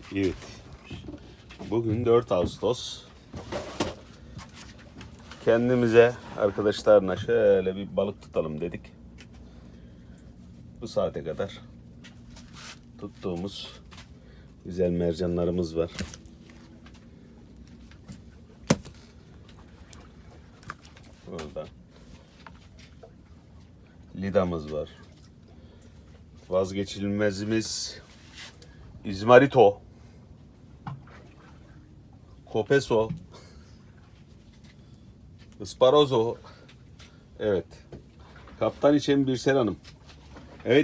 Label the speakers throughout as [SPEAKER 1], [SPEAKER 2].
[SPEAKER 1] Evet. Bugün 4 Ağustos. Kendimize arkadaşlarla şöyle bir balık tutalım dedik. Bu saate kadar tuttuğumuz güzel mercanlarımız var. Burada lidamız var. Vazgeçilmezimiz İzmarito, Kopeso, Isparozo. Evet. Kaptan için Birsel Hanım. Evet.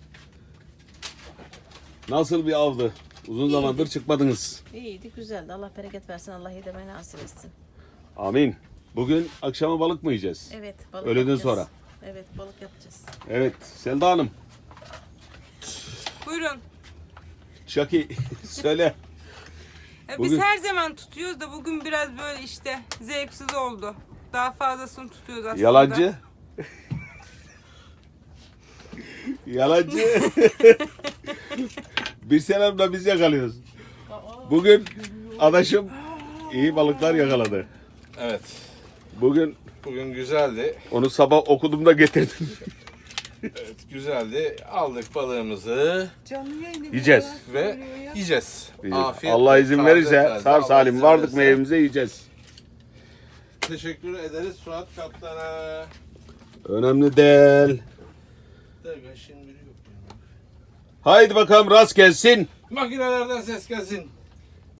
[SPEAKER 1] Nasıl bir avdı? Uzun zamandır çıkmadınız.
[SPEAKER 2] İyiydi, güzeldi. Allah bereket versin. Allah yedirmeyi nasip etsin.
[SPEAKER 1] Amin. Bugün akşama balık mı yiyeceğiz?
[SPEAKER 2] Evet, balık
[SPEAKER 1] Öğleden
[SPEAKER 2] yapacağız.
[SPEAKER 1] sonra.
[SPEAKER 2] Evet, balık yapacağız.
[SPEAKER 1] Evet. Selda Hanım.
[SPEAKER 3] Buyurun.
[SPEAKER 1] Şaki söyle.
[SPEAKER 3] Biz
[SPEAKER 1] Bugün-
[SPEAKER 3] her zaman tutuyoruz da bugün biraz böyle işte zevksiz oldu. Daha fazlasını tutuyoruz aslında.
[SPEAKER 1] Yalancı. Yalancı. Birsel Hanım'la biz yakalıyoruz. Bugün adaşım iyi balıklar yakaladı.
[SPEAKER 4] Evet.
[SPEAKER 1] Bugün
[SPEAKER 4] Bugün güzeldi.
[SPEAKER 1] onu sabah okudum da getirdim.
[SPEAKER 4] Evet, güzeldi. Aldık balığımızı
[SPEAKER 1] Yiyeceğiz.
[SPEAKER 4] ve yiyeceğiz. Afiyet
[SPEAKER 1] Allah izin
[SPEAKER 4] taze
[SPEAKER 1] verirse
[SPEAKER 4] taze.
[SPEAKER 1] sağ
[SPEAKER 4] Allah
[SPEAKER 1] salim
[SPEAKER 4] izin
[SPEAKER 1] vardık
[SPEAKER 4] verirse.
[SPEAKER 1] meyvemize yiyeceğiz.
[SPEAKER 4] Teşekkür ederiz Suat Kaptan'a.
[SPEAKER 1] Önemli değil.
[SPEAKER 4] Şimdi yok.
[SPEAKER 1] Haydi bakalım rast gelsin.
[SPEAKER 4] Makinelerden ses gelsin.